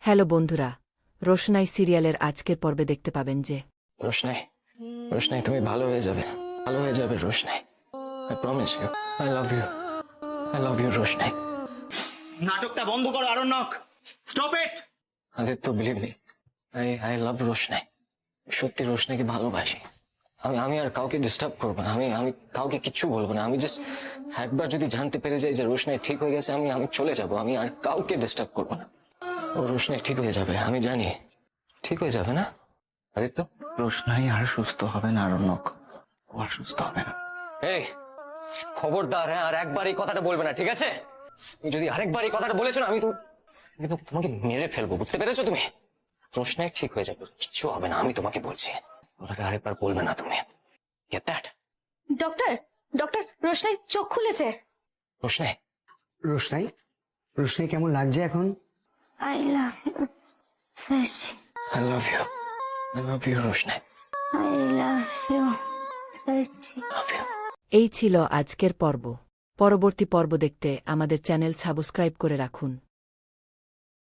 Hello বন্ধুরা, রোশনাই সিরিয়ালের আজকের পর্বে দেখতে পাবেন যে রোশনাই, রোশনাই তুমি ভালো হয়ে যাবে, ভালো হয়ে যাবে Roshnai. I promise you, I love you Roshnai. নাটকটা বন্ধ করো Aranyak, stop it. Aditya believe me, I love Roshnai. সত্যি রোশনাইকে ভালোবাসি। আমি আর কাউকে ডিস্টার্ব করবো না, আমি কাউকে কিচ্ছু বলবো না। আমি জাস্ট একবার যদি জানতে পেরে যাই যে রোশনাই ঠিক হয়ে গেছে, আমি চলে যাব। আমি আর কাউকে ডিস্টার্ব করবো না। ও রোশনাই ঠিক হয়ে যাবে, আমি জানি ঠিক হয়ে যাবে না আদিত্য। রোশনাই আর সুস্থ হবে না আরণ্যক, ও আর সুস্থ হবে না। এই খবরদার, হ্যাঁ আর একবার এই কথাটা বলবে না, ঠিক আছে? তুমি যদি আরেকবার এই কথাটা বলেছো না, আমি কিন্তু তোমাকে মেরে ফেলবো, বুঝতে পেরেছো তুমি? রোশনাই ঠিক হয়ে যাবে, কিচ্ছু হবে না, আমি তোমাকে বলছি। কথাটা আরেকবার বলবে না তুমি, গেট দ্যাট? ডক্টর, ডক্টর, রোশনাই চোখ খুলেছে। রোশনাই, রোশনাই, রোশনাই কেমন লাগছে এখন? I love you Sarji, I love you Roshnai, I love you Sarji. Love you. এই ছিল আজকের পর্ব। পরবর্তী পর্ব দেখতে আমাদের চ্যানেল সাবস্ক্রাইব করে রাখুন।